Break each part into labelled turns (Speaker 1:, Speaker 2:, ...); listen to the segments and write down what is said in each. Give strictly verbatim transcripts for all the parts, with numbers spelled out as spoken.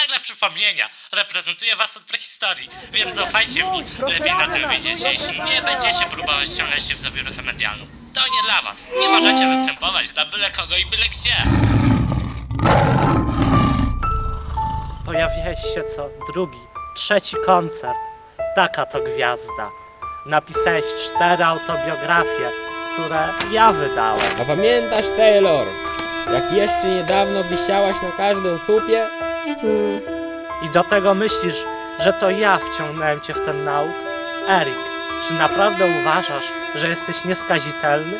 Speaker 1: nagle przypomnienia. Reprezentuję was od prehistorii, więc zaufajcie mi. Lepiej na tym wyjdziecie, jeśli nie będziecie próbować wciągnąć się w zawieruchę medialną. To nie dla was. Nie możecie występować dla byle kogo i byle gdzie.
Speaker 2: Pojawiałeś się co drugi, trzeci koncert. Taka to gwiazda. Napisałeś cztery autobiografie, które ja wydałem.
Speaker 3: A pamiętasz, Taylor, jak jeszcze niedawno wisiałaś na każdym słupie?
Speaker 4: Hmm.
Speaker 2: I do tego myślisz, że to ja wciągnąłem cię w ten nauk? Erik, czy naprawdę uważasz, że jesteś nieskazitelny?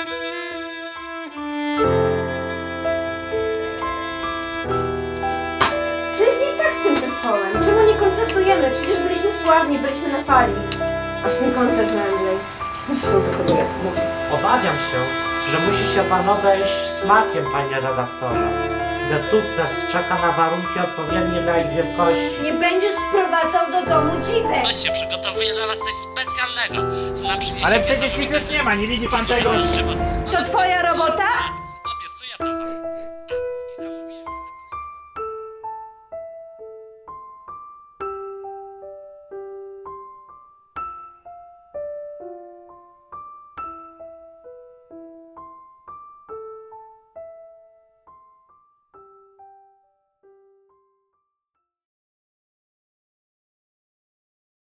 Speaker 4: Co jest nie tak z tym zespołem? Czemu nie koncertujemy? Przecież byliśmy sławni, byliśmy na fali. Aż ten koncert na Wembley. Zresztą do tego jak mówię.
Speaker 2: Obawiam się, że musi się pan obejść smakiem, panie redaktorze. Detutnes czeka na warunki odpowiednie dla ich wielkości.
Speaker 4: Nie będziesz sprowadzał do domu dziwek!
Speaker 1: Właśnie, przygotowuję dla was coś specjalnego, co nam przyniesie...
Speaker 5: Ale przecież ich już nie ma, nie widzi pan tego?
Speaker 4: To twoja robota?